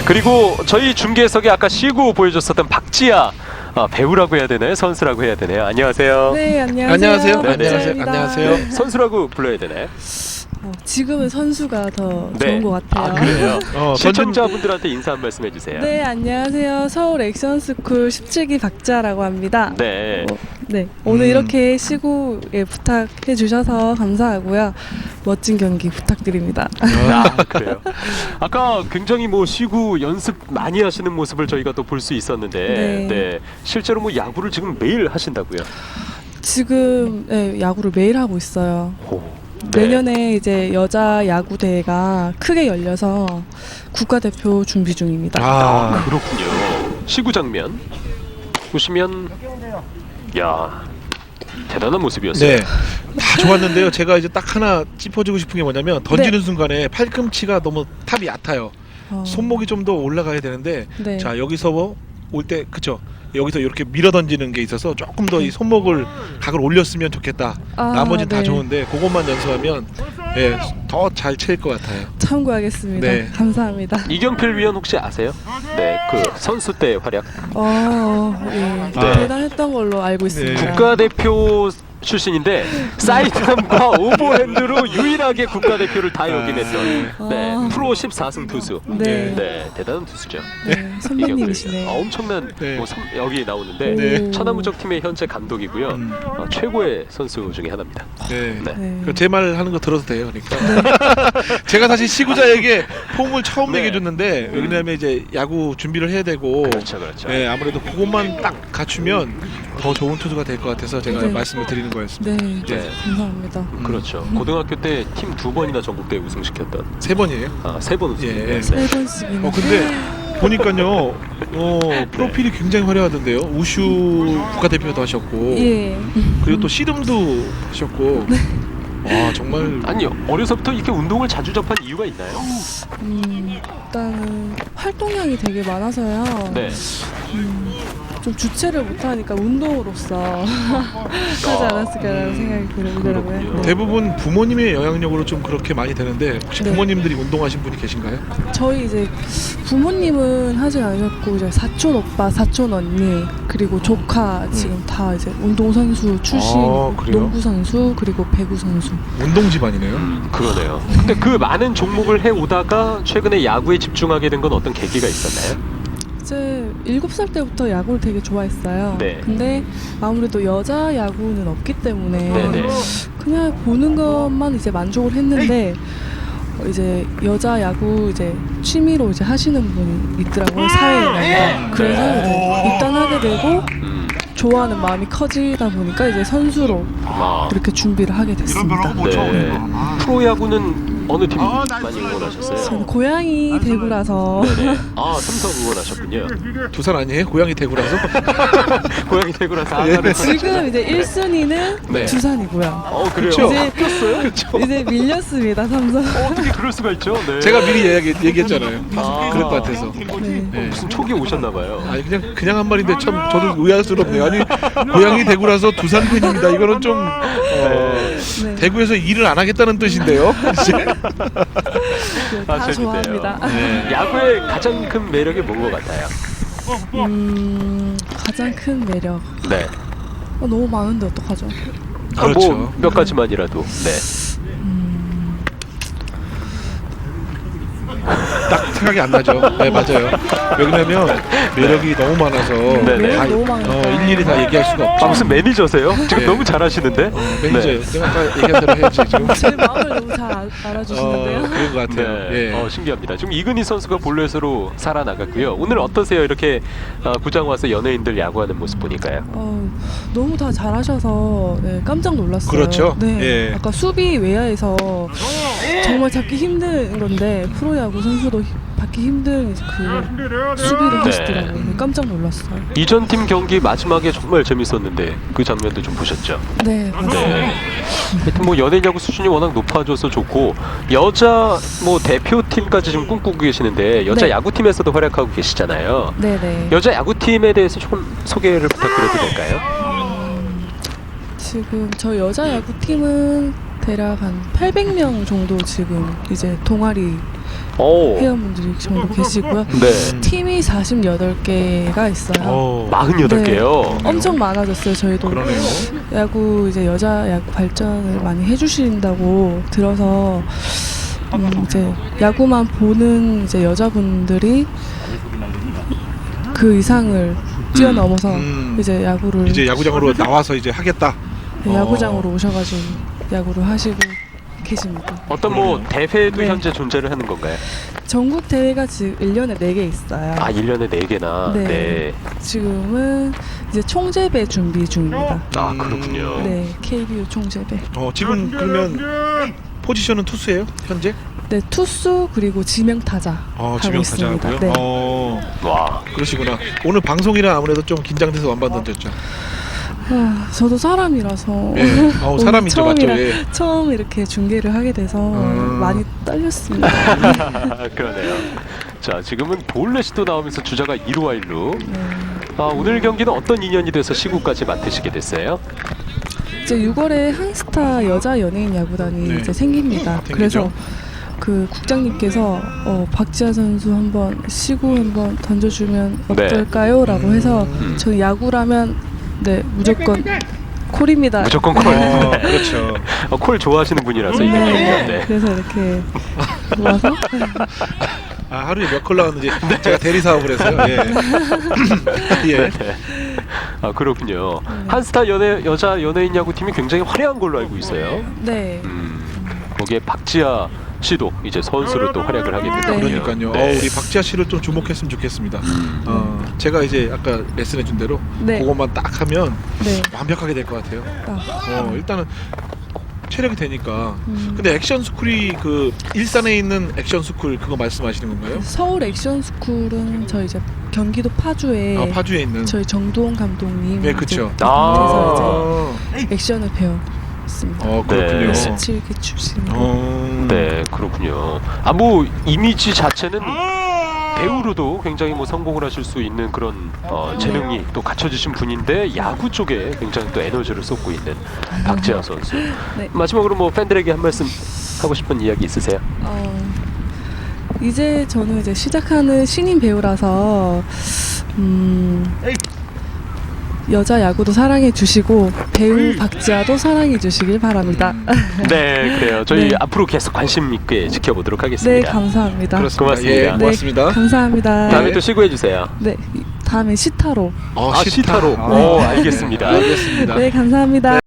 그리고 저희 중계석에 아까 시구 보여줬었던 박지아 배우라고 해야 되나요? 선수라고 해야 되나요? 안녕하세요. 네, 안녕하세요. 안녕하세요. 네네. 안녕하세요. 선수라고 불러야 되나요? 지금은 선수가 더 네. 좋은 것 같아요. 아, 그래요? 던진- 시청자분들한테 인사 한 말씀 해주세요. 네, 안녕하세요. 서울 액션스쿨 17기 박지아라고 합니다. 네. 네, 오늘 이렇게 시구에 부탁해 주셔서 감사하고요. 멋진 경기 부탁드립니다. 아, 그래요. 아까 굉장히 뭐 시구 연습 많이 하시는 모습을 저희가 또 볼 수 있었는데, 네. 실제로 뭐 야구를 지금 매일 하신다고요? 지금 네, 야구를 매일 하고 있어요. 오, 네. 내년에 이제 여자 야구 대회가 크게 열려서 국가대표 준비 중입니다. 아, 그렇군요. 시구 장면 보시면, 야, 대단한 모습이었어요. 네, 다 좋았는데요. 제가 이제 딱 하나 짚어주고 싶은 게 뭐냐면 던지는 순간에 팔꿈치가 너무 탑이 얕아요. 손목이 좀 더 올라가야 되는데 네. 자 여기서 올 때 그쵸? 여기서 이렇게 밀어 던지는 게 있어서 조금 더 이 손목을 각을 올렸으면 좋겠다. 아, 나머지는 다 네. 좋은데 그것만 연습하면 예, 더 잘 칠 것 같아요. 참고하겠습니다. 네. 감사합니다. 이경필 위원 혹시 아세요? 네, 그 선수 때 활약. 예. 아. 대단했던 걸로 알고 있습니다. 국가대표 출신인데 사이드암과 오버핸드로 유일하게 국가대표를 다 역임했던 네, 프로 14승 투수. 네. 네, 대단한 투수죠. 네, 선배님이시네. 엄청난 네. 뭐 여기 나오는데 네. 천하무적 팀의 현재 감독이고요. 최고의 선수 중에 하나입니다. 네. 네. 네. 제 말 하는 거 들어도 돼요, 그러니까. 제가 사실 시구자에게 폼을 처음 네. 얘기해줬는데 왜냐면 이제 야구 준비를 해야 되고, 그렇죠, 그렇죠. 네, 아무래도 그것만 딱 갖추면 더 좋은 투수가 될 것 같아서 제가 네. 말씀을 드리는 거였습니다. 네, 네. 감사합니다. 그렇죠. 고등학교 때 팀 2번이나 전국대회 우승시켰던 3번이에요. 3번 우승. 예. 세 번씩이나. 근데 보니까요, 프로필이 굉장히 화려하던데요. 우슈 국가대표도 하셨고, 예. 그리고 또 씨름도 하셨고, 와 정말 아니 어려서부터 이렇게 운동을 자주 접한 이유가 있나요? 일단은 활동량이 되게 많아서요. 네. 좀 주체를 못하니까 운동으로서 하지 않았을까라는 생각이 들더라고요. 그렇군요. 네. 대부분 부모님의 영향력으로 좀 그렇게 많이 되는데 혹시 네. 부모님들이 운동하신 분이 계신가요? 저희 이제 부모님은 하진 않으셨고 이제 사촌 오빠, 사촌 언니 그리고 조카 지금 다 이제 운동 선수 출신, 그래요? 농구 선수 그리고 배구 선수. 운동 집안이네요. 그러네요. 근데 그 많은 종목을 해 오다가 최근에 야구에 집중하게 된 건 어떤 계기가 있었나요? 이제 7살 때부터 야구를 되게 좋아했어요. 네. 근데 아무래도 여자 야구는 없기 때문에 네네. 그냥 보는 것만 이제 만족을 했는데 이제 여자 야구 이제 취미로 이제 하시는 분이 있더라고요, 사회에. 그래서 이제 입단하게 되고 음. 좋아하는 마음이 커지다 보니까 이제 선수로 아. 그렇게 준비를 하게 됐습니다. 네. 프로야구는 어느 팀 많이 응원하셨어요? 저는 고향이 대구라서 네네. 삼성 응원하셨군요. 두산 아니에요? 고향이 대구라서? 고향이 대구라서 아가를 지금 이제 1순위는 네. 두산이고요. 그래요? 그쵸? 이제 바뀌었어요? 이제 밀렸습니다, 삼성. 어떻게 그럴 수가 있죠? 네. 제가 미리 얘기했잖아요. 아. 그럴 것 같아서. 네. 네. 무슨 촉이 오셨나봐요. 아니 그냥 한 말인데 참 저도 의아스럽네요. 아니 고향이 대구라서 두산 팬입니다. 이거는 좀 네. 대구에서 일을 안 하겠다는 뜻인데요. 다 재밌네요. 좋아합니다. 네. 야구의 가장 큰 매력이 뭔 것 같아요? 가장 큰 매력. 네. 너무 많은데 어떡하죠? 그렇죠. 뭐몇 가지만이라도. 네. 딱 생각이 안 나죠. 네 맞아요. 왜냐면 매력이 너무 많아서 네네. 다, 너무 많아서. 일일이 다 얘기할 수가 없죠. 무슨 매니저세요? 지금 네. 너무 잘하시는데? 매니저예요. 내가 아까 얘기한 대로 해야지 지금. 제 마음을 너무 잘 알아주시는데요. 그런 것 같아요. 네. 예. 신기합니다. 지금 이근희 선수가 볼넷으로 살아나갔고요. 오늘 어떠세요? 이렇게 구장 와서 연예인들 야구하는 모습 보니까요. 너무 다 잘하셔서 네, 깜짝 놀랐어요. 그렇죠. 네. 예. 아까 수비 외야에서 정말 잡기 힘든 건데 프로야구 선수도 받기 힘든 그 수비를 하시더라고요. 네, 깜짝 놀랐어요. 이전 팀 경기 마지막에 정말 재밌었는데 그 장면도 좀 보셨죠? 네, 맞습니다. 네. 하여튼 뭐 연예인 야구 수준이 워낙 높아져서 좋고 여자 뭐 대표팀까지 지금 꿈꾸고 계시는데 여자 네. 야구팀에서도 활약하고 계시잖아요. 네네. 여자 야구팀에 대해서 조금 소개를 부탁드려도 될까요? 지금 저 여자 야구팀은 대략 한 800명 정도 지금 이제 동아리 오. 회원분들이 정도 계시고요. 네. 팀이 48개가 있어요. 48개요. 엄청 많아졌어요. 저희도 그러네요. 야구 이제 여자 야구 발전을 많이 해주신다고 들어서 이제 야구만 보는 이제 여자분들이 그 이상을 뛰어넘어서 이제 야구를 이제 야구장으로 나와서 이제 하겠다. 야구장으로 오셔가지고 야구를 하시고 계십니다. 어떤 뭐 대회도 네. 현재 존재를 하는 건가요? 전국 대회가 지금 1년에 4개 있어요. 아, 1년에 4개나. 네. 네. 지금은 이제 총재배 준비 중입니다. 아, 그렇군요. 네, KBO 총재배. 지금 그러면 포지션은 투수예요? 현재? 네, 투수 그리고 지명타자 하고 지명타자고요. 있습니다. 네. 와. 그러시구나. 오늘 방송이라 아무래도 좀 긴장돼서 완반 던졌죠. 저도 사람이라서 예. 사람이죠, 맞죠? 예. 처음 이렇게 중계를 하게 돼서 많이 떨렸습니다. 그러네요. 자, 지금은 볼넷도 나오면서 주자가 1루와 1루. 오늘 경기는 어떤 인연이 돼서 시구까지 맡으시게 됐어요? 이제 6월에 한스타 여자 연예인 야구단이 네. 이제 생깁니다. 생기죠. 그래서 그 국장님께서 박지아 선수 한번 시구 한번 던져주면 어떨까요? 라고 해서 저는 야구라면 네 무조건 콜입니다. 무조건 콜. 그렇죠. 콜 좋아하시는 분이라서 이게 네. 그래서 이렇게 와서 하루에 몇 콜 나왔는지 제가 대리 사업을 해서요. 예. 예. 네. 아, 그렇군요. 한스타 여자 연예인 야구팀이 굉장히 화려한 걸로 알고 있어요. 네. 네. 거기에 박지아 씨도 이제 선수로 또 활약을 하게 됐거든요. 그러니까요. 네. 우리 박지아 씨를 좀 주목했으면 좋겠습니다. 제가 이제 아까 레슨해준 대로 네. 그것만 딱 하면 네. 완벽하게 될 것 같아요. 일단은 체력이 되니까. 음. 근데 액션 스쿨이 그 일산에 있는 액션 스쿨 그거 말씀하시는 건가요? 서울 액션 스쿨은 저희 이제 경기도 파주에 파주에 있는. 저희 정도원 감독님 네, 그렇죠. 그래서 이제 액션을 배웠습니다. 그렇군요. 네. 17기 출신. 네, 그렇군요. 뭐 이미지 자체는 배우로도 굉장히 뭐 성공을 하실 수 있는 그런 재능이 또 갖춰지신 분인데 야구 쪽에 굉장히 또 에너지를 쏟고 있는 박지아 선수. 네. 마지막으로 뭐 팬들에게 한 말씀 하고 싶은 이야기 있으세요? 이제 저는 이제 시작하는 신인 배우라서 여자 야구도 사랑해 주시고 배우 박지아도 사랑해 주시길 바랍니다. 네, 그래요. 저희 네. 앞으로 계속 관심 있게 지켜보도록 네, 하겠습니다. 감사합니다. 그렇습니다. 고맙습니다. 예, 고맙습니다. 네, 감사합니다. 다음에 또 시구해 주세요. 네, 다음에 시타로. 시타로. 네. 알겠습니다. 알겠습니다. 네, 감사합니다.